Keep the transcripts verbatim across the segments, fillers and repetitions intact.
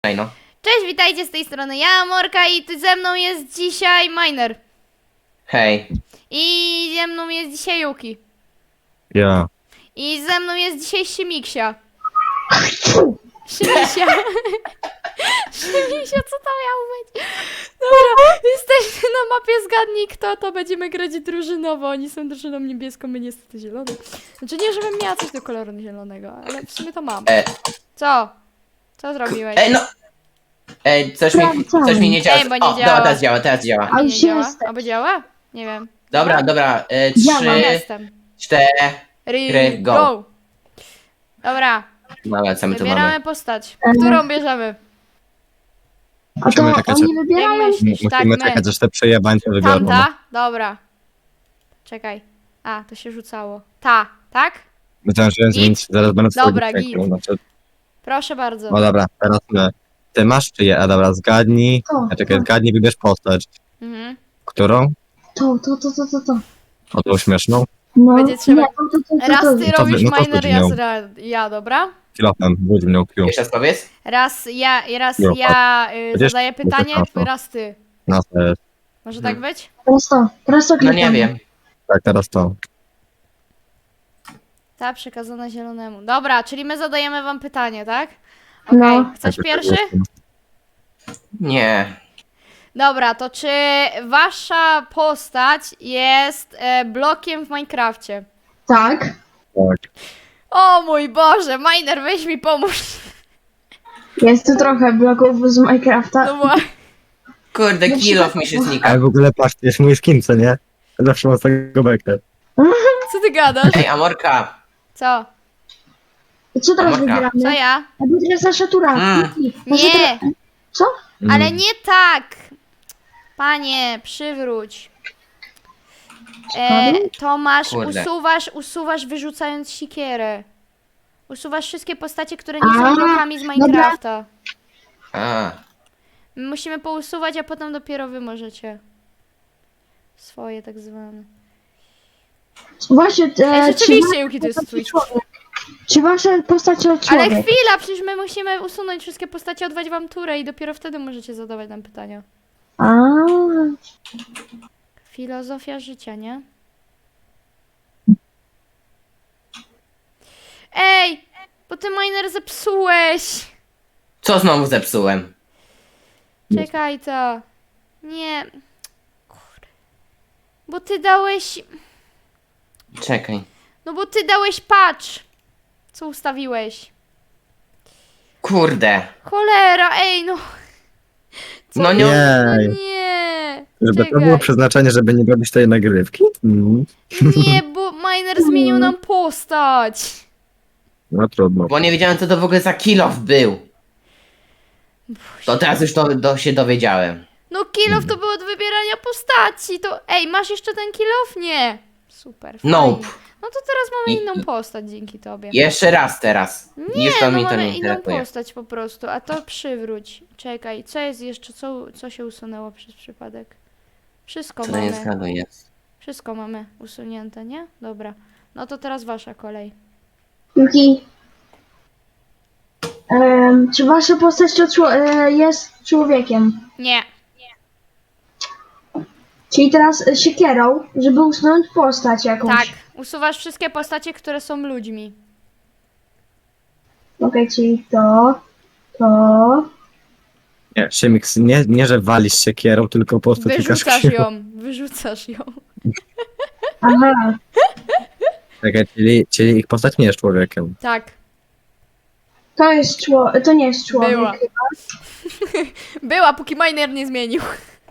Ej no. Cześć, witajcie z tej strony ja, Morka, i ty ze mną jest dzisiaj Miner. Hej. I ze mną jest dzisiaj Yuki. Ja. I ze mną jest dzisiaj Szymiksia. Szymisia. Szymisia, co to miało być? Dobra, jesteśmy na mapie Zgadnij Kto, to będziemy grać drużynowo. Oni są drużyną niebieską, my niestety zieloną. Znaczy nie, żebym miała coś do koloru zielonego, ale w sumie to mam. E, Co? Co zrobiłeś? ej no. Ej, coś mi, coś mi nie działa. Ej, bo nie o, działa. dobra, teraz działa, teraz działa. A nie już działa? jestem. Albo działa? Nie wiem. Dobra, dobra. E, Działa. trzy, Jestem. cztery. Ry, go. go. Dobra, Dobra, co my tu wybieramy mamy? postać. Mhm. Którą bierzemy? A to Musimy czekać, oni Jak wybierają... myślisz? Tak, Musimy my. czekać, aż te przejebańce wybiorą. Tamta? Dobra. Czekaj. A, to się rzucało. Ta, tak? Myślałem, że zmienić, zaraz będę Dobra, wchodzić w git. rękę, znaczy... Proszę bardzo. O dobra, teraz my. Ty masz czy je? A dobra, zgadnij. To, A czekaj, to, zgadnij, wybierz postać. Mhm. Którą? to, to, to, to, to, to. O tą śmieszną? No, Będzie trzeba- nie, to, to, to, to, Raz to, ty to robisz wy- no to miner, chodzi raz nią. ra- ja, dobra? Kilofem, budź mnie Q. Jeszcze raz powiedz? Raz ja, raz Jo, ja y, Będziesz- zadaję pytanie, będziesz na to. raz ty. Na ser. Może Hmm. tak być? Teraz to, teraz to No klikam. nie wiem. Tak, teraz to. Ta przekazana zielonemu. Dobra, czyli my zadajemy wam pytanie, tak? Okej, No. chcesz Tak, pierwszy? Nie. Dobra, to czy wasza postać jest e, blokiem w Minecrafcie? Tak. Tak. O mój Boże, Miner, weź mi pomóż. Jest tu trochę bloków z Minecrafta. No bo... Kurde, kilof mi się Ale znika. w ogóle patrz, to jest mój skin, co nie? Zawsze mam z tego bekę. Co ty gadasz? Ej, Amorka. Co? Co teraz Amorka. wybieramy? Co ja? A bo teraz nasza tura. Mm. Nasza Nie, tura- Co? ale Mm. nie tak. Panie, przywróć. E, to masz, Kurde. usuwasz, usuwasz wyrzucając sikierę. Usuwasz wszystkie postacie, które nie są A, blokami z Minecrafta. A. My musimy pousuwać, a potem dopiero wy możecie. Swoje tak zwane. Właśnie, e, Ej, czy, rzeczywiście, Yuki, to jest twój. człowiek? Czy wasza postać to Ale człowiek? chwila, przecież my musimy usunąć wszystkie postacie, odwać wam turę i dopiero wtedy możecie zadawać nam pytania. A, Filozofia życia, nie? Ej! Bo ty Miner zepsułeś! Co znowu zepsułem? Czekaj to. Nie. Kurde. Bo ty dałeś... Czekaj. No bo ty dałeś patch. Co ustawiłeś? Kurde. Cholera, ej no. No nie. No Jej. nie. Żeby to Czekaj. było przeznaczenie, żeby nie robić tej nagrywki? Mm. Nie, bo Miner zmienił nam postać. No trudno. Bo nie wiedziałem, co to w ogóle za kilof był. To teraz już to, to się dowiedziałem. No kilof to było od wybierania postaci. To ej, masz jeszcze ten kilof? Nie. Super. Fajnie. Nope. No to teraz mamy I- inną i- postać dzięki tobie. Jeszcze raz teraz. Nie, Już to no mi to mamy nie inną interesuje. postać po prostu, a to przywróć. Czekaj, co jest jeszcze, co, co się usunęło przez przypadek? Wszystko Co to nie mamy, zgaduje. wszystko mamy usunięte, nie? Dobra, no to teraz wasza kolej. Yuki. Em, czy wasza postać to czło- e, jest człowiekiem? Nie, Czyli teraz e, siekierą, żeby usunąć postać jakąś. tak, usuwasz wszystkie postacie, które są ludźmi. Okej, czyli to, to... Nie, Szymix, nie, nie, że walisz siekierą, tylko po prostu tykasz Wyrzucasz krzywo. ją, wyrzucasz ją. Aha, Czekaj, czyli, czyli ich postać nie jest człowiekiem. Tak, to jest człowiek, to nie jest człowiek. była. Była, póki Miner nie zmienił.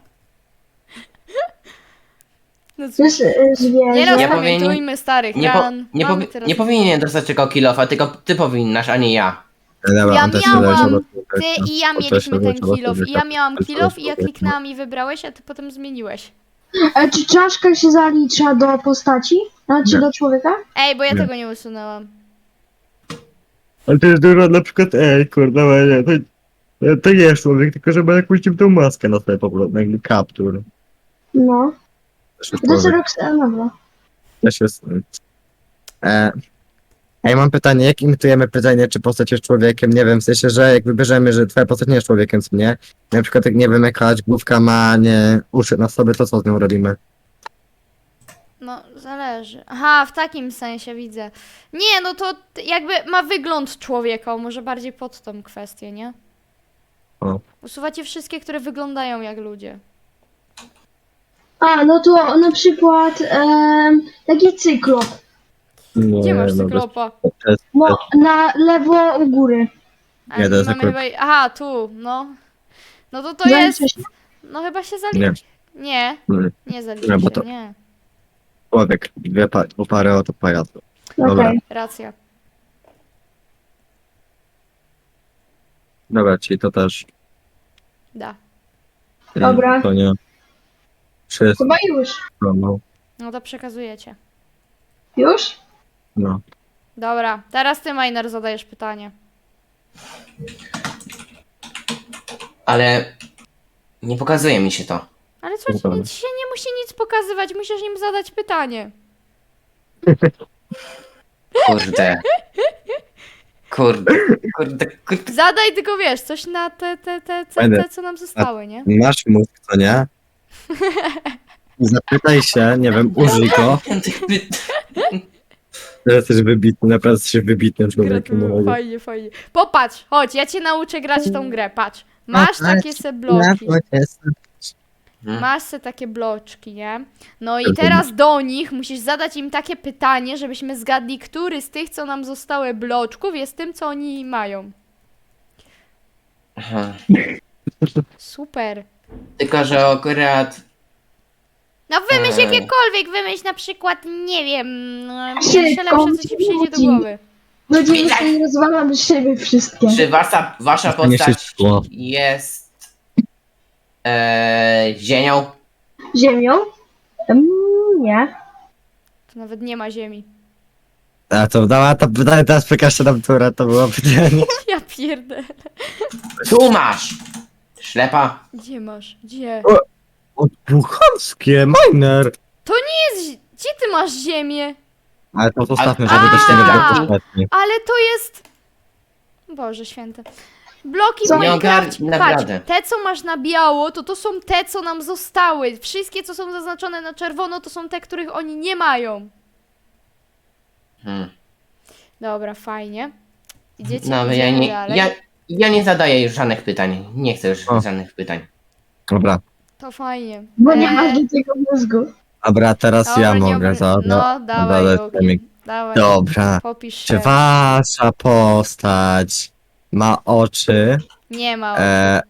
No To cóż, jest e, zwierzę. nie powinien- rozpamiętujmy starych Nie, po, ran. nie, Mamy powi- teraz... nie powinien dostać tego kilofa, tylko ty powinnasz, a nie ja. Dobra, Ja on też się miałam, leży, bo- Ty i ja to się mieliśmy ten leży, bo kilof i ja człowieka. miałam To kilof i ja człowieka. kliknęłam i wybrałeś, a ty potem zmieniłeś. E, czy czaszka się zalicza do postaci? Znaczy Nie. do człowieka? Ej, bo ja Nie. tego nie usunęłam. Ale to jest dużo, na przykład, ej, kurde, ale nie, to, to nie jest człowiek, tylko że ma jakąś dziwną maskę na sobie po prostu, jakby kaptur. No. Też jest To jest człowiek, Roxana, dobra. też jest... E, Ej, mam pytanie, jak imitujemy pytanie, czy postać jest człowiekiem? Nie wiem, w sensie, że jak wybierzemy, że twoja postać nie jest człowiekiem, co nie? Na przykład jak nie wiem, jakaś główka ma nie uszy na sobie, to co z nią robimy? No, zależy. Aha, w takim sensie widzę. Nie, no to t- jakby ma wygląd człowieka, może bardziej pod tą kwestię, nie? O. Usuwacie wszystkie, które wyglądają jak ludzie. A, no to na przykład em, taki cyklop. Nie, Gdzie masz no, cyklopa? bez- to jest- No, na lewo u góry. A Nie, to jest mamy akurat- chyba... Aha, tu, no. No to to Zaliczy jest... się? No chyba się Nie. zaliczy. Nie, nie, nie zaliczy Nie, bo się, to- nie. człowiek, dwie pa dwie pary oto pajaców. Dobra. Okej. Racja. Dobra, czyli to też. Da. Dobra. To nie. Wszystko, Chyba już. no. No to przekazujecie. Już? no. Dobra, teraz ty, Miner, zadajesz pytanie. Ale nie pokazuje mi się to. Ale co ci, Dobra. nic się nie musi nic pokazywać, musisz im zadać pytanie. Kurde. Kurde, kurde, kurde. Zadaj tylko, wiesz, coś na te, te, te, te, Będę. te co nam zostały, nie? Masz mózg, co nie? I zapytaj się, nie wiem, użyj go, że jesteś wybitny, naprawdę jesteś wybitnym człowiekiem. Gratuluję, no. fajnie, fajnie. Popatrz, chodź, ja cię nauczę grać w tą grę, patrz. Masz takie se bloki, masz se takie bloczki, nie? No i teraz do nich musisz zadać im takie pytanie, żebyśmy zgadli, który z tych, co nam zostały bloczków, jest tym, co oni mają. Aha. Super. Tylko, że akurat No wymyśl Eee. jakiekolwiek, wymyśl na przykład, nie wiem, no, Szybko, pierwsze lepsze, co ci przyjdzie do ludzi. głowy. Będziemy sobie rozwalamy szyby wszystkie. czy wasza, wasza To nie się postać szkło. jest e, ziemią? Ziemią? Mm, nie. To nawet nie ma ziemi. A to dała to pytanie, teraz przekażcie nam, które to było pytanie. Ja pierdę. Tu masz! Ślepa. Gdzie masz? Gdzie? O, bucharskie, miner! Jest, gdzie ty masz ziemię? Ale to zostawmy, A- żeby też nie A. było ostatni. Ale to jest... Boże święte. Bloki w Co? Nie Minecraft, ogar- patrz, naprawdę. te co masz na biało, to to są te, co nam zostały. Wszystkie, co są zaznaczone na czerwono, to są te, których oni nie mają. Hmm. Dobra, fajnie. Idziecie, No, ale idziemy ja nie, dalej. ja, ja nie zadaję już żadnych pytań. Nie chcę już O. żadnych pytań. Dobra, To fajnie. Bo nie Eee, masz do tego mózgu. dobra, teraz dobra, ja nie mogę obry- zadać. No, dawaj, zadać Jogi. temik. Dawaj, Dobra. popisz Czy się. wasza postać ma oczy? Nie ma. E...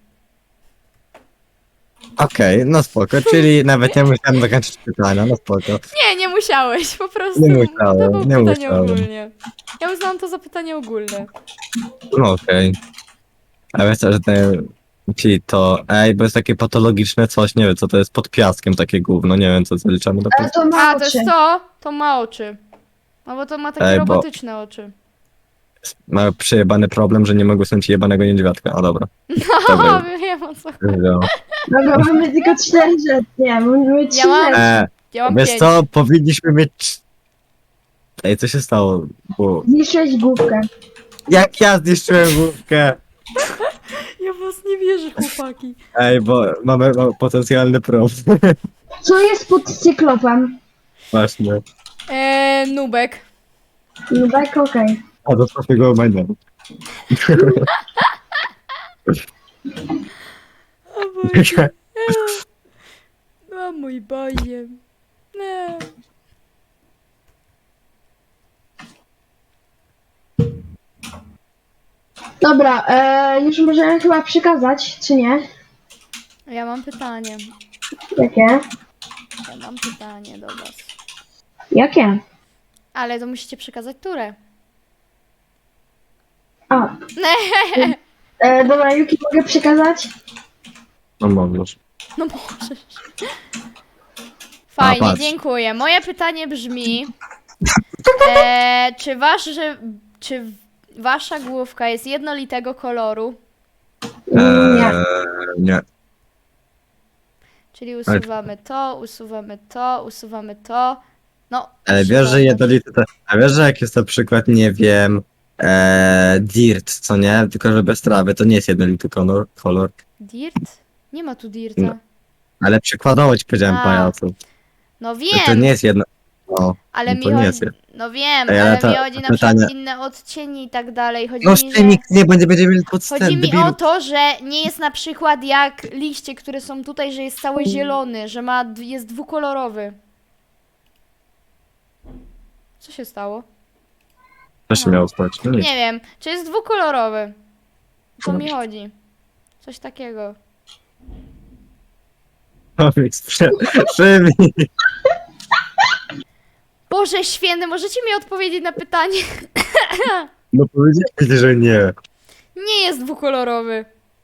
Okej, no spoko, czyli nawet nie musiałem dokończyć pytania, no spoko. Nie, nie musiałeś, po prostu. Nie musiałem, to było nie pytanie musiałem. ogólnie. Ja uznałam to za pytanie ogólne. No okej. A wiesz co, że ten... Czyli to, ej, bo jest takie patologiczne coś, nie wiem co to jest, pod piaskiem takie gówno, nie wiem co zaliczamy do Ale to ma A, to oczy. jest to? To ma oczy. No bo to ma takie Ej, bo- robotyczne oczy. Ma przejebany problem, że nie mogę słuchać jebanego niedźwiadka, a dobra. O, Dobra. wiem o co. No. Dobra, mamy tylko cztery rzeczy. Nie, mamy trzy Ja mam- rzeczy. E, Ja mam wiesz pięć. co, powinniśmy mieć... Ej, co się stało? Bo... Zniszczyłeś główkę. Jak ja zniszczyłem główkę? Ja was nie wierzę, chłopaki. Ej, bo mamy, mamy potencjalny problem. Co jest pod cyklopem? Właśnie. Eee, nubek. Nubek, okej. A do swojego omenia. O Boże. O mój Boże. Nie. Dobra, e, już możemy chyba przekazać, czy nie? Ja mam pytanie. Jakie? Ja mam pytanie do was. Jakie? Ale to musicie przekazać turę. A. E, dobra, Yuki, mogę przekazać? No możesz. No możesz. Fajnie, patrz. dziękuję. Moje pytanie brzmi, e, czy, wasz, że, czy wasza główka jest jednolitego koloru? Mm, Nie. Eee, nie. Czyli usuwamy to, usuwamy to, usuwamy to. No. Ale proszę wiesz, że bardzo. jednolity to... A wiesz, że jak jest na przykład, nie wiem... E, dirt, co nie? Tylko, że bez trawy, to nie jest jednolity kolor. kolor. Dirt? Nie ma tu dirta. No. Ale przykładowo ci powiedziałem, A, pajacu. No To wiem, nie jest jedno... O, ale no mi to nie chodzi... jest. No wiem, Ej, ale ale to- mi chodzi na pytanie- przykład inne odcienie i tak dalej. Chodzi no mi, że... Szymik, nie, będzie, będziemy mieli podstęp, Chodzi mi debilu. o to, że nie jest na przykład jak liście, które są tutaj, że jest cały zielony, że ma, d- jest dwukolorowy. Co się stało? Co się miało stać? No nic. Nie wiem, czy jest dwukolorowy. O co mi chodzi? Coś takiego. Szymik, sprze- Szymik. Boże święty, możecie mi odpowiedzieć na pytanie? No powiedzieli, że nie. Nie jest dwukolorowy.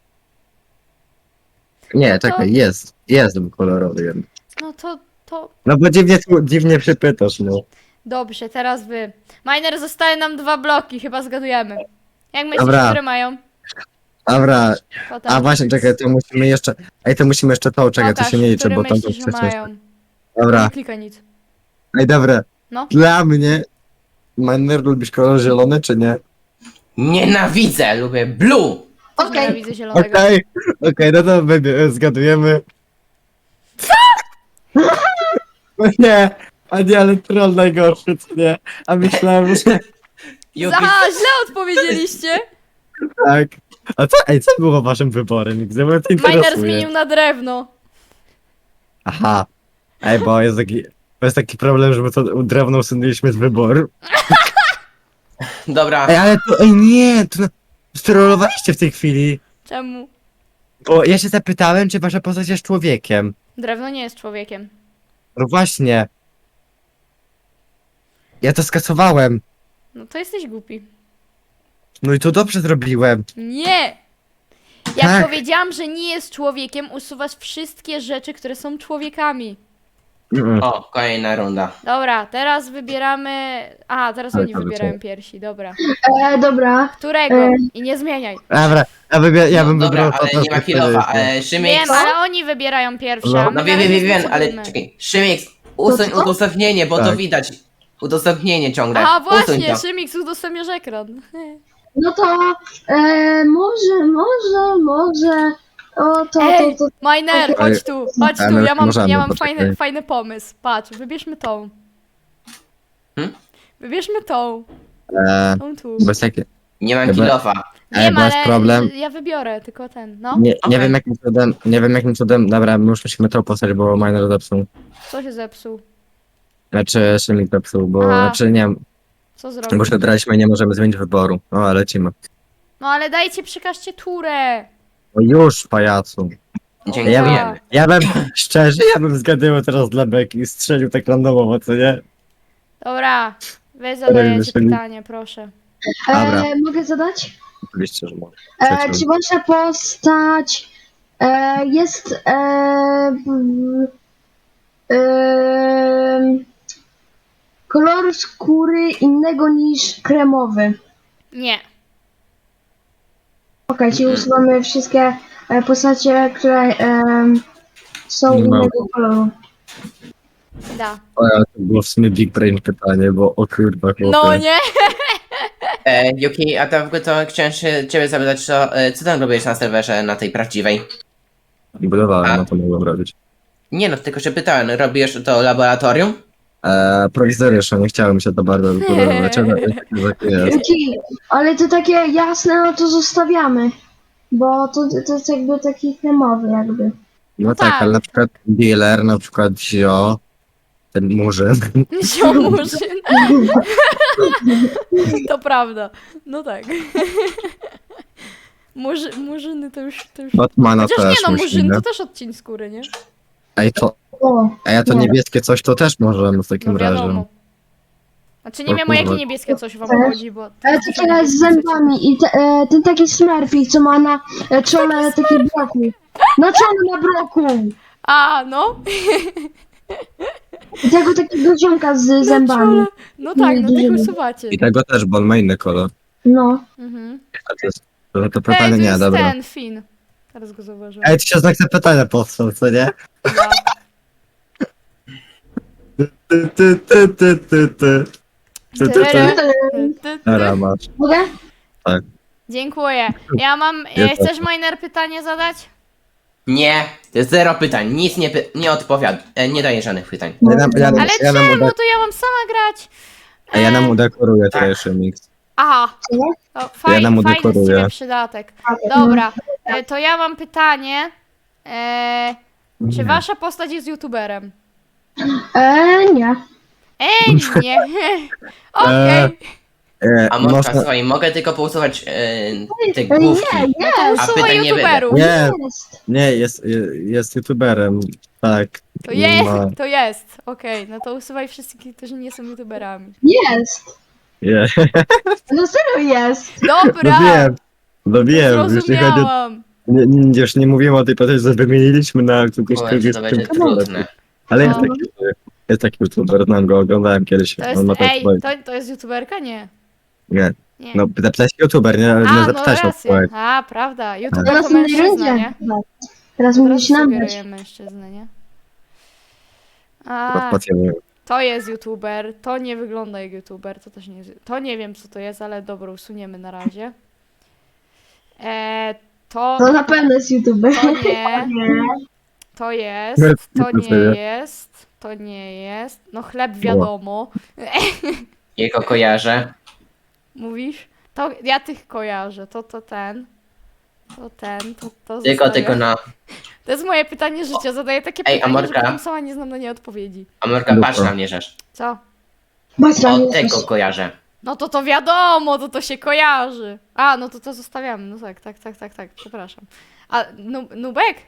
Nie, czekaj, jest. Jest kolorowy jeden. No to, to... No bo dziwnie, dziwnie się pytasz, no. Dobrze, teraz wy. Miner, zostały nam dwa bloki, chyba zgadujemy. Jak myślisz, Dobra. które mają? Dobra, Potem. a właśnie, czekaj, to musimy jeszcze... Ej, to musimy jeszcze to, czekaj, to Pokaż, się nie liczy, które bo tam to myślisz, że wcześniej... mają. Dobra, Nie klikaj nic. ej, dobra. No. Dla mnie... Miner, lubisz kolor zielony, czy nie? Nienawidzę, lubię blue. Też Okej. nienawidzę zielonego. Okej, okej, no to będzie, zgadujemy. Co? No nie, a nie, ale troll najgorszy, co nie? A myślałem, że Yuki, Aha, źle odpowiedzieliście. tak. A co, ej, co było waszym wyborem? Gdzie mnie to Miner interesuje? zmienił na drewno. Aha. Ej, bo jest taki, bo jest taki problem, że my to drewno usunęliśmy z wyboru. dobra. Ej, ale to, ej, nie, to strollowaliście w tej chwili. Czemu? Bo ja się zapytałem, czy wasza postać jest człowiekiem. Drewno nie jest człowiekiem. No właśnie. Ja to skasowałem. No to jesteś głupi. No i to dobrze zrobiłem. Nie! Jak Tak. powiedziałam, że nie jest człowiekiem, usuwasz wszystkie rzeczy, które są człowiekami. Mm. O, kolejna runda. Dobra, teraz wybieramy... A, teraz Ale oni to wybierają co? piersi, dobra. E, dobra. Którego? E. I nie zmieniaj. Dobra, ja, wybie- ja No, bym dobra, wybrał ale to, nie ma co kilofa. wtedy jest, E, Szymek, Wiem, ale oni wybierają pierwsze, No. a my no wiem, na wiem, razie wiem, wiem, ale zdecydujmy. czekaj. Szymek, usuń co? udostępnienie, bo to Tak. widać. Udostępnienie ciągle. Aha, Usuń właśnie, to. Szymix, udostępniasz ekran. No to e, może, może, może. O, to, to, Ej, to. Miner, Okej. chodź tu, chodź Ale tu, ja mam, możemy, ja mam poczekaj. fajny, fajny pomysł. Patrz, wybierzmy tą. Hmm? Wybierzmy tą, E, tą tu. bez takie... Nie mam Chyba- kilofa. Ej, Wiem, bo jest ale problem. ja wybiorę tylko ten, no. Nie, nie Okej. wiem jakim cudem, nie wiem jakim cudem, dobra, my już musimy to postać, bo miner zepsuł. Co się zepsuł? Znaczy, Szymik zepsuł, bo, Aha. znaczy nie wiem, Co bo zrobił? już wybraliśmy i nie możemy zmienić wyboru. O, ale lecimy. No ale dajcie, przekażcie turę. O już, pajacu. Ja bym, Dziękujemy. ja bym, szczerze, ja bym zgadywał teraz dla beki i strzelił tak randomowo, co nie? Dobra, wy zadajecie myśleli- pytanie, proszę. Dobra. E, mogę zadać? Oczywiście, że może. E, Trzecią. czy wasza postać e, jest e, w- e, koloru skóry innego niż kremowy? Nie. Okej, czyli Mhm. usuwamy wszystkie e, postacie, które e, są Nie ma. innego koloru. Da. O, ale to było w sumie big brain pytanie, bo o kurwa, chłopie. No nie? E, Yuki, a to w ogóle to chciałem się ciebie zapytać, co, e, co tam robisz na serwerze, na tej prawdziwej? Budowałem, A? no to mogłem robić. Nie no, tylko się pytałem, robisz to laboratorium? Eee, prowizoryczne, nie chciałem się to bardzo budować, ale tak jest. Okej, ale to takie jasne, no to zostawiamy. Bo to, to jest jakby taki kremowy jakby. No tak, tak. ale na przykład dealer, na przykład Zio, ten murzyn. Ziomurzyn. To prawda. No tak. Murzy, murzyny to już... To już... Batmana Chociaż też nie no, murzyn musimy. to też odcień skóry, nie? Ej, to, O, a ja to No. niebieskie coś to też możemy w takim No razie. wiadomo. Znaczy nie O wiem o jakie kurwa. niebieskie coś wam Też. chodzi, bo... ale takie z zębami i te, e, ten taki smurfik, co ma na e, czole taki broku. Na czole ma broku. A, no. I tego takiego ziomka z Na zębami. czole. No tak, no tak usuwacie. I tego też, bo on ma inny kolor. No. Mhm. A to jest, to, to Ej, pytanie to nie, jest dobra. ten, Fin. Teraz go zauważyłem. Ej, to się znak zapytania powstał, co nie? Da. Ty, ty, ty, ty, ty, ty. Ty, ty, ty. Ty, ty. Dobra, masz. Mogę? Dziękuję. Ja mam... E, chcesz Miner pytanie zadać? Nie, to jest zero pytań, nic nie, py- nie odpowiada, e, nie daje żadnych pytań. Ja nam, ja, nam- Ale ja nam, czemu? udek- To ja mam sama grać. a ja nam E, udekoruję tak. tutaj Szymix. Aha. Co? To faj, nam fajny z udekoruję. ciebie przydatek. Dobra, e, to ja mam pytanie. E, czy Nie. wasza postać jest youtuberem? Eee, nie. Ej, nie. Okej. E, A Morka, można... słuchaj, mogę tylko pousuwać e, te Ej, główki. nie, No to nie. A usuwaj pytań nie youtuberów. Nie, Jest. nie, jest, jest youtuberem. Tak. To jest, Ma- to jest. Okej, no to usuwaj wszystkich, którzy nie są youtuberami. Jest. Je. No serio jest. No Dobra, wiem. No wiem, jeśli chodzi o... zrozumiałam. Nie, nie, już nie mówimy o tej postaci, że wymieniliśmy na kogoś, Kurczę, kogo jest to będzie tym- trudne. Ale jest No. taki, jest taki youtuber, znam go, oglądałem kiedyś. To jest, On ma tam ej, swoje... to, to jest youtuberka? Nie. Nie, Nie. no zapytałeś youtuber, nie, A, nie no zapytałeś o rację. swoje. A, prawda. YouTuber Teraz to w tej mężczyzna, nie? rundzie. Tak. Teraz Teraz mówisz nam dać. sugeruje mężczyznę, nie? A, Podpłacimy. to jest youtuber, to nie wygląda jak youtuber, to też nie jest, to nie wiem co to jest, ale dobra, usuniemy na razie. E, to, To na pewno jest youtuber. to nie, to jest, to nie jest, to nie jest, no chleb wiadomo, Jego kojarzę. mówisz? To ja tych kojarzę, to to ten, to ten, to to Tylko, zostawiam. tylko na... To jest moje pytanie życia, zadaję takie Ej, pytanie, że Amorka? potem sama nie znam na nie odpowiedzi. A Morka, patrz na mnie, rzecz. Co? Batra, O, nie tego jesteś. kojarzę. No to to wiadomo, to to się kojarzy. A, no to to zostawiamy, no tak, tak, tak, tak, tak, przepraszam. A, nu, Nubek?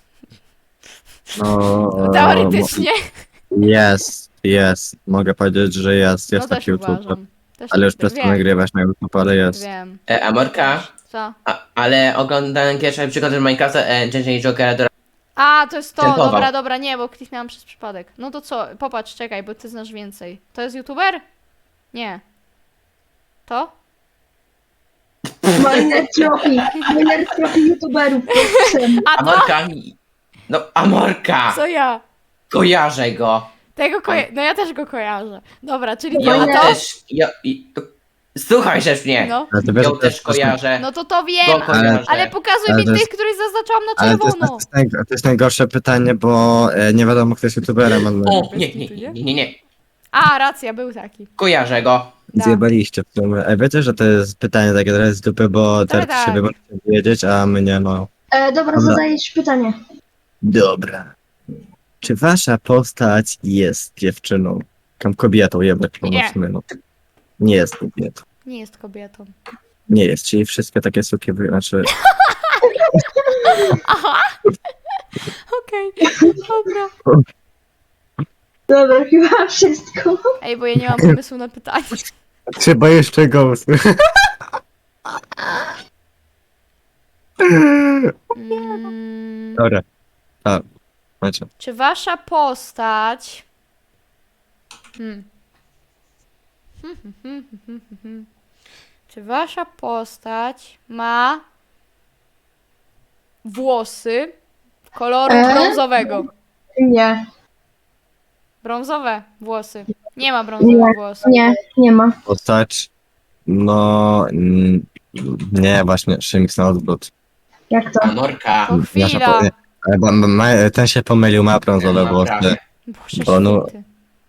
No, Teoretycznie. Jest, jest. Mogę powiedzieć, że jest, No jest też taki youtuber. uważam. Też Ale już tak przestał wiem, nagrywać na YouTube, ale jest. Wiem. E, a Morka, Co? a, ale oglądałem pierwszy przykład z Minecrafta, e, J J Jokera do... A, to jest to, Dziękował. dobra, dobra, nie, bo kliknęłam przez przypadek. No to co, popatrz, czekaj, bo ty znasz więcej. To jest youtuber? Nie. To? Miner tropi. Miner tropi youtuberów. A A to? Morka... No, a Morka! Co ja? Kojarzę go. Tego koja- no ja też go kojarzę. Dobra, czyli Ja to, to? też... Ja, i, słuchaj, rzecz mnie. No. Ale to wiesz, Ja że to też jest właśnie- kojarzę. No to to wiem, Go kojarzę. ale pokazuj Ale mi to tych, jest- których zaznaczałam na Ale to jest, to, czerwono. jest naj, to jest najgorsze pytanie, bo e, nie wiadomo, kto jest youtuberem. Ale... O, nie, nie, nie, nie, nie, nie. A, racja, był taki. Kojarzę go. Da. Zjebaliście w sumie. E, wiecie, że to jest pytanie takie trochę z dupy, bo teraz tak. się wy możecie wiedzieć, a my nie, no. E, dobra, Dobra. zadajesz pytanie. Dobra. Czy wasza postać jest dziewczyną? Tam kobietą, jebać po Nie. mocno, no. Nie jest kobietą. Nie jest kobietą. Nie jest, czyli wszystkie takie suki, wy- znaczy... Aha! Okej, dobra. Dobra, chyba wszystko. Ej, bo ja nie mam pomysłu na pytanie. Trzeba jeszcze ghost. Mm, Dobra. A, znaczy. czy wasza postać... Hmm. Hmm, hmm, hmm, hmm, hmm, hmm. Czy wasza postać ma włosy koloru E? brązowego? Nie, Brązowe włosy. Nie ma brązowych Nie. włosów. nie, nie ma. Postać... No... mm, Nie, właśnie, Szymix na odwrót. Jak to? A Morka. To Ja się chwila. powiem. Ale bo, ma, ma- ten się pomylił, ma brązowe Ma włosy. prawie. Boże Bo no- święty.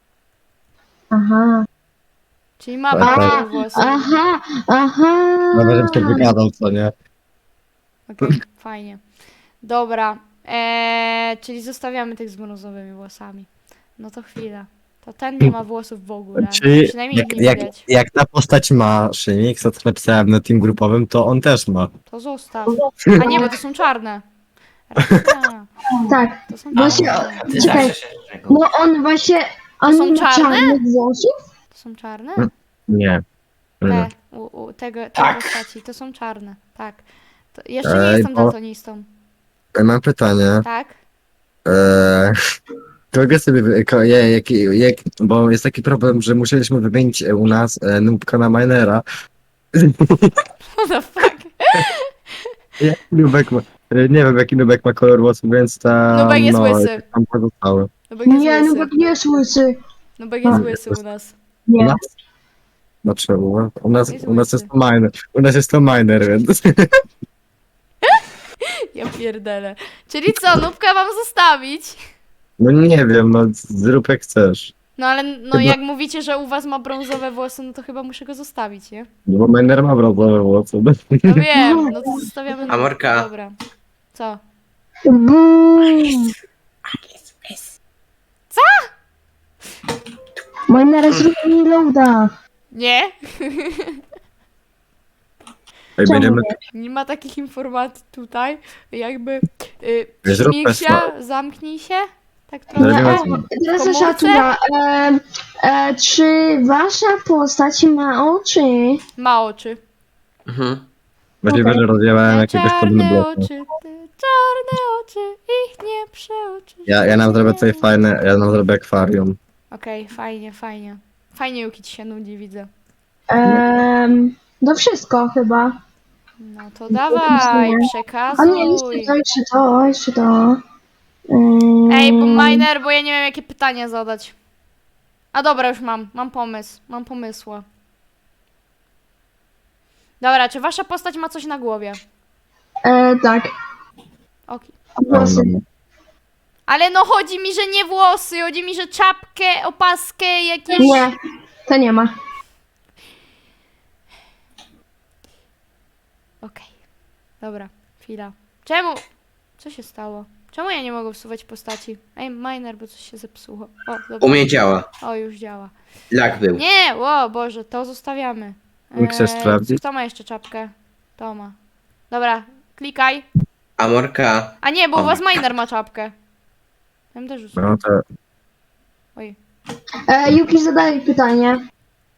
Aha. Czyli ma A, brązowe włosy. Aha, aha. No żebym się wygadał, co nie? Okej, fajnie. Dobra. Eee, czyli zostawiamy tych z brązowymi włosami. No to chwila. To ten nie ma włosów w ogóle. Czyli Przynajmniej jak, ich nie jak, widać. jak ta postać ma Szymix, to co napisałem na team grupowym, to on też ma. To zostaw. A nie, bo to są czarne. Racja, Tak. to są Właśnie- czarne. Ty Czekaj. zawsze się czego. No on właśnie... On są nie ma czarne? czarnych włosów? To są czarne? Mm. Nie. Te, Nie. u, u, tego, tej Tak. postaci. To są czarne. Tak. To jeszcze nie Ej, jestem bo- daltonistą. E, Mam pytanie. Tak? Eee, kogo sobie, wy- ko, je, jak, jak, bo jest taki problem, że musieliśmy wymienić e, u nas e, Nubka na Minera. What the fuck? Jak Nubek ma, e, nie wiem jaki Nubek ma kolor włosów, więc tam, Nubek jest no, łysy. tam pozostały. No bo jest Nie, łysy. Nubek nie jest łysy. No bo jest łysy u nas. U Nie. nas? Znaczy, u u nas, Jest u nas łysy. jest to miner. U nas jest to miner, więc... Ja pierdolę. Czyli co, Nubka mam zostawić? No nie wiem, no zrób jak chcesz. No ale no Chyba- jak mówicie, że u was ma brązowe włosy, no to chyba muszę go zostawić, nie? No bo miner ma brązowe włosy. No wiem, no to zostawiamy. Amorka. Dobra. Co? Boom. Minera zrobili loada. Nie? Ej, będziemy... Nie ma takich informacji tutaj. Jakby. Y, Zrób śmig się, Tesla. zamknij się. Tak Zrobimy trochę. to. Teraz Komórce? nasza tura. E, e, czy wasza postać ma oczy? Ma oczy. Mhm. Możliwe, Okej. że rozjebałem jakiegoś podobny Czarne bloku. oczy, te czarne oczy, ich nie przeoczysz. Ja, ja nam zrobię tutaj fajne, ja nam zrobię akwarium. Okej, fajnie, fajnie. Fajnie Yuki ci się nudzi, widzę. Em, no wszystko chyba. No to dawaj, A nie, przekazuj. jeszcze to, jeszcze to, jeszcze to. Em, Ej, bo miner, bo ja nie wiem jakie pytania zadać. A dobra, już mam, mam pomysł, mam pomysła. Dobra, czy wasza postać ma coś na głowie? E, tak. Okej. Włosy. Ale no chodzi mi, że nie włosy, chodzi mi, że czapkę, opaskę, jakieś... Nie, to nie ma. Okej. Dobra, chwila. Czemu? Co się stało? Czemu ja nie mogę usuwać postaci? Ej, miner, bo coś się zepsuło. O, dobra. U mnie działa. O, już działa. Lag był. Nie, o Boże, to zostawiamy. Nie chcesz sprawdzić? Kto ma jeszcze czapkę? To ma. Dobra, klikaj. Amorka. A nie, bo u O. was miner ma czapkę. Ja bym też usunął. No to... Oj. E, Yuki, zadaj pytanie.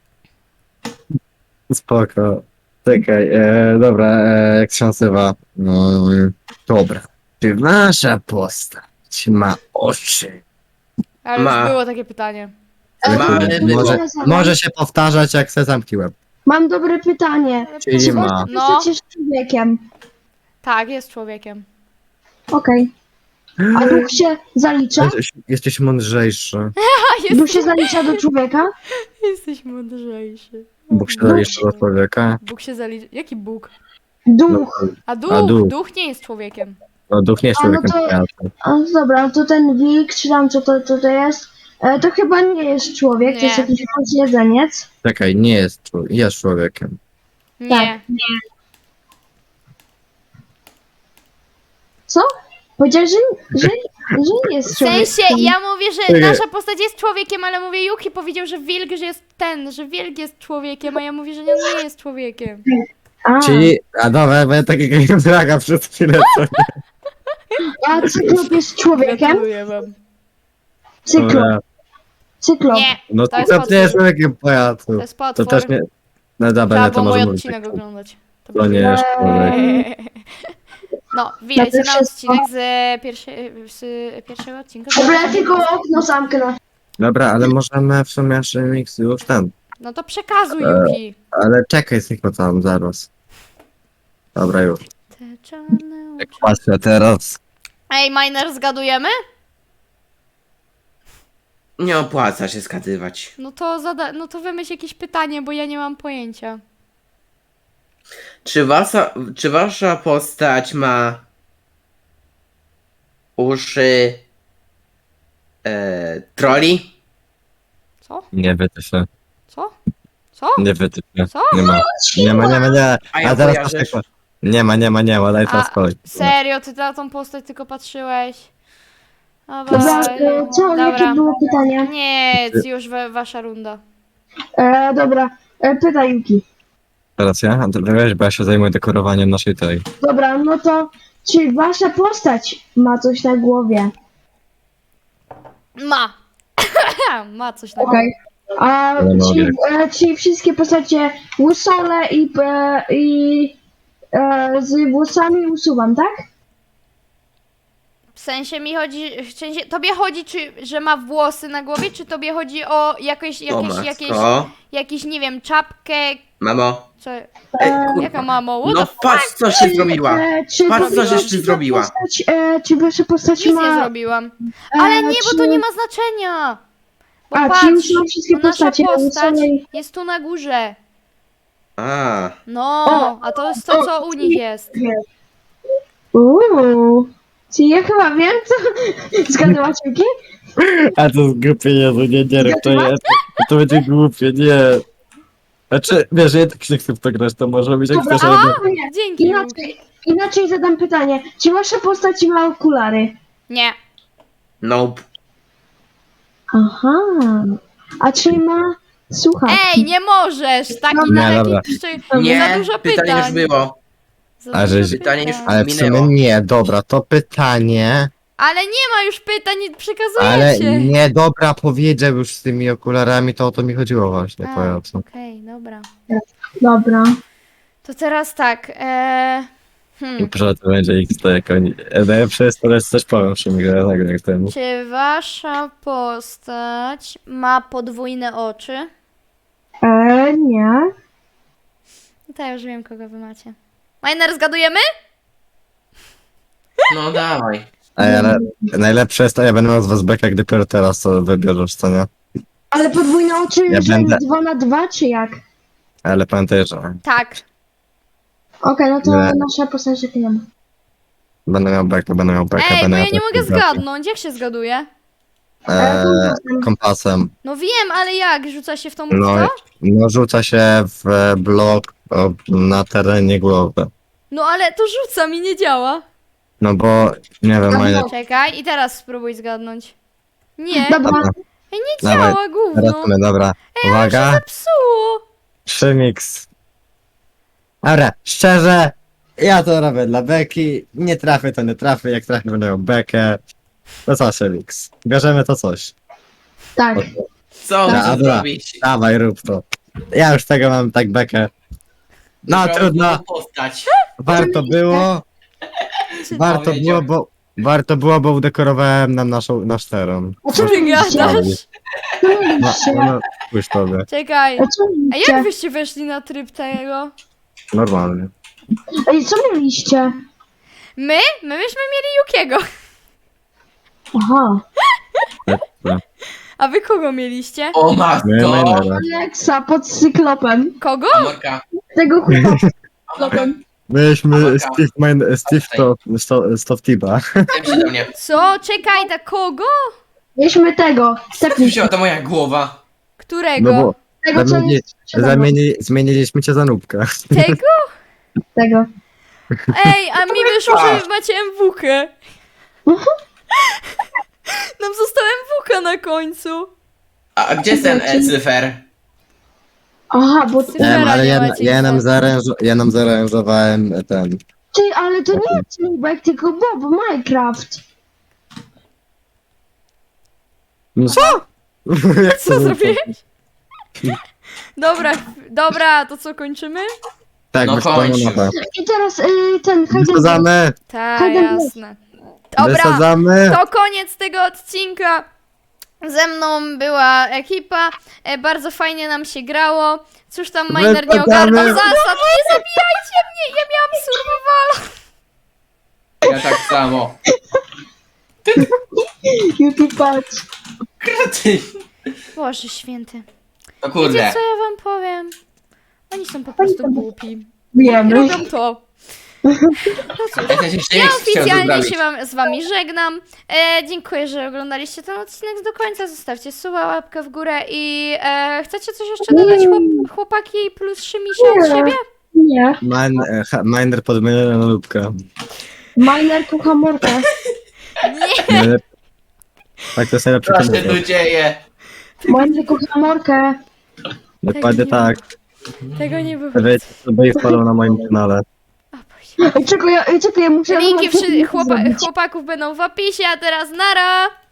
Spoko. Czekaj, e, dobra, e, jak się nazywa? No, dobra. Czy wasza postać ma oczy? Ale Ma. już było takie pytanie. E, Ma, to- ale to było. Może, ja zadam. może się powtarzać, jak se zamknąłem. Mam dobre pytanie. Czyli Czy ma. wasza No. postać jest człowiekiem? Tak, jest człowiekiem. Okej. A duch się zalicza? Jesteś, jesteś mądrzejszy. A, Duch jest... się zalicza do człowieka? jesteś mądrzejszy. Bóg się zalicza do człowieka. Bóg się zalicza. Jaki Bóg? Duch. A duch, A duch. duch nie jest człowiekiem. No, duch nie jest A, no człowiekiem. to- kojarzę. A, dobra, to ten wilk, czy tam co to, co to jest? E, to chyba nie jest człowiek, to jest Nie. jakiś jedzeniec. Czekaj, nie jest, czł- jest człowiekiem. Nie. Tak. Co? Powiedziałeś, że, że, że nie jest W człowiekiem. sensie, ja mówię, że Czekaj. nasza postać jest człowiekiem, ale mówię, Yuki powiedział, że wilk, że jest ten, że wilk jest człowiekiem, a ja mówię, że nie, nie jest człowiekiem. A, Czyli, a dobra, bo ja takiego draga przez chwilę, co nie? a cyklop jest człowiekiem? Gratuluję wam. Cyklop, Dobra. cyklop. Nie, No To to, jest to nie jest potwór. człowiekiem pajacu. to jest To potwór. też nie... No dobra, Trzeba nie, to było mój może odcinek być. oglądać. To nie jest człowiek. No, witajcie na wszystko. odcinek z, pierwsze, z pierwszego odcinka. Dobra, ja tylko okno zamknę. Dobra, ale możemy w sumie jeszcze mix już ten. No to przekazuj, E. Yuki. Ale czekaj, tylko tam zaraz. Dobra, już. Te czarne oczy. Patrzę teraz. Ej, miner, zgadujemy? Nie opłaca się skatywać. No to zada- no to wymyśl jakieś pytanie, bo ja nie mam pojęcia. Czy wasza, czy wasza postać ma uszy e, troli? Co? Nie wyty się. Co? Co? Nie wyty się. Co? Nie ma. Nie ma, nie ma, nie. A ja A teraz kojarzysz? patrz, nie ma, nie ma, nie ma, daj teraz A, kolej. Serio, ty na tą postać tylko patrzyłeś? Dobra, Dawaj. e, co, jakie Dobra. było pytanie? Nie, już we, wasza runda. E, dobra, e, pytaj Yuki. Teraz ja? A to wiesz, bo ja się zajmuję dekorowaniem naszej tej. Dobra, no to czy wasza postać ma coś na głowie? Ma! Ma coś takiego. Okej. A Ale no, czy, jak- e, czy wszystkie postacie łysole i, e, i e, z włosami usuwam, tak? W sensie mi chodzi, w sensie, tobie chodzi, czy, że ma włosy na głowie, czy tobie chodzi o jakieś, O jakieś, jakieś, matko. jakieś, nie wiem, czapkę, Mamo. co, Ej, E, kurwa. jaka mamo, what No the f- patrz co się zrobiła. E, czy Patrz, tobie- co żeś ty czy ta zrobiła. Postać, e, czy wasza postać nic ma... nie zrobiłam. e, Ale nie, bo to czy- nie ma znaczenia. Bo A, patrz, czyli już mam wszystkie bo nasza postacie. postać Samej- jest tu na górze. A, No, O, a to jest to, co u nich jest. Uuu. Czyli ja chyba wiem, co... Zgadłacie, Yuki? A to jest głupie, Jezu, nie, nie rób to jest. To będzie głupie, nie. Znaczy, wiesz, ja tak nie chcę w to grać, to może być jak Dobra, chcesz, a? ale... Nie. Dzięki. Inaczej, inaczej zadam pytanie. Czy wasza postać ma okulary? Nie. nope. Aha. A czy ma słuchawki? Ej, nie możesz! Taki Nie, na dobra. taki jeszcze za Nie, dużo pytanie już pytań. było. Za A, dużo że- Pytanie już- pytań. Ale w sumie Minęło. nie, dobra, to pytanie, Ale nie ma już pytań, nie przekazujecie. ale nie, dobra, powiedział już z tymi okularami, to o to mi chodziło właśnie, A, powiem co. Okej, dobra. Dobra. To teraz tak. E... Hmm. Proszę, to będzie X, to jak oni... Najlepsze jest to, że coś powiem przy mi tak jak ten. Czy wasza postać ma podwójne oczy? E, nie. No to ja już wiem, kogo wy macie. Miner, zgadujemy? No dawaj. Ej, ale najlepsze jest to, ja będę miał z was beka, gdy dopiero teraz to wybierzesz, co nie? Ale podwójne oczy, Ja że będę- dwa na dwa, czy jak? Okej, Ale pamiętaj, że Tak. no to Nie. nasza postać takiej nie ma. będę miał beka, będę miał beka, Ej, bo będę ja miał nie beka, mogę beka. zgadnąć. Jak się zgaduje? Eee, kompasem. kompasem. No wiem, ale jak? Rzuca się w tą No, no. no rzuca się w blok o, na terenie głowy. no ale to rzuca mi, nie działa. No bo, nie wiem, No, moje... no. Czekaj, i teraz spróbuj zgadnąć. Nie, Dobra, Dobra, Ej, nie dawaj, działa, teraz gówno. my, dobra. Uwaga, Zepsuło. trzy mix. Dobra, szczerze, ja to robię dla beki, nie trafię to nie trafię, jak trafię będę miał bekę. To co, Shelix? Bierzemy to coś. tak. Co Dobra, muszę dobra. zrobić? Dawaj, rób to. Ja już tego mam tak bekę. No Muszę trudno, postać. warto było. Warto było, Powiedział. bo... Warto było, bo udekorowałem nam naszą, nasz teren. A co Ty mieliście? gadasz? Co No, mieliście? no, pójść tobie. Czekaj. A co A mieliście? jak wyście weszli na tryb tego? Normalnie. Ej, co mieliście? My? My myśmy mieli Yukiego. Aha. A wy kogo mieliście? O Nie, matko. Mainera. Alexa pod cyklopem. Kogo? Amorka. Tego chłopaka. Amorka. Myśmy Dobra. Steve, Main, Steve to, to, Stop Tiba. Tym się do mnie. Co? Czekaj, ta kogo? Mieliśmy tego. Tak, Wzięła to moja głowa. Którego? No bo tego, co zamieni, jest sprzedane. zamieni, zmieniliśmy cię za nubkę. Tego? Tego. Ej, a mi wyszło, że macie M W K. Nam został M W K na końcu. A, a gdzie jest ten e, cyfer? Aha, bo ty... Cyfera Em, ale nie ja, macie ja, nam nic. zaaranżo, ja nam zaaranżowałem ten. Ty, ale to nie jest Nubek, tylko Bob, Minecraft. No co? Jak Co to zrobiłeś? Dobra, dobra, to co, kończymy? Tak, No no kończ. mapę. I teraz y, ten Hayden... Wysadzamy! Tak, Hayden, jasne. Dobra, Wysadzamy! to koniec tego odcinka. Ze mną była ekipa, e, bardzo fajnie nam się grało. Cóż tam Miner nie Wysadzamy. ogarnął zasad, nie zabijajcie mnie, ja miałam survival. Ja tak samo. Yuki, patrz. Kraty. Boże święty. O Wiecie kurde. co ja wam powiem? Oni są po prostu głupi. I Wiemy. robią to. No cóż. Ja też jeszcze Ja nie chciałem oficjalnie zrobić. się wam, z wami żegnam. E, dziękuję, że oglądaliście ten odcinek do końca. Zostawcie suba, łapkę w górę i e, chcecie coś jeszcze dodać, chłop, chłopaki plus Szymisie od Nie. siebie? Nie. Min, e, ha- Miner podmieniony na nubkę. Miner kocha morkę. Nie, Najlep- Tak, to jest najlepszy Co się tu komentarz. dzieje? Miner kocha morkę. Dokładnie nie tak. tego nie było. Wiecie, sobie follow na moim kanale. A, Boże. Ej, czekaj, ja, ej, czekaj, ja muszę... Linki wszy- chłopa zrobić. chłopaków będą w opisie, a teraz nara!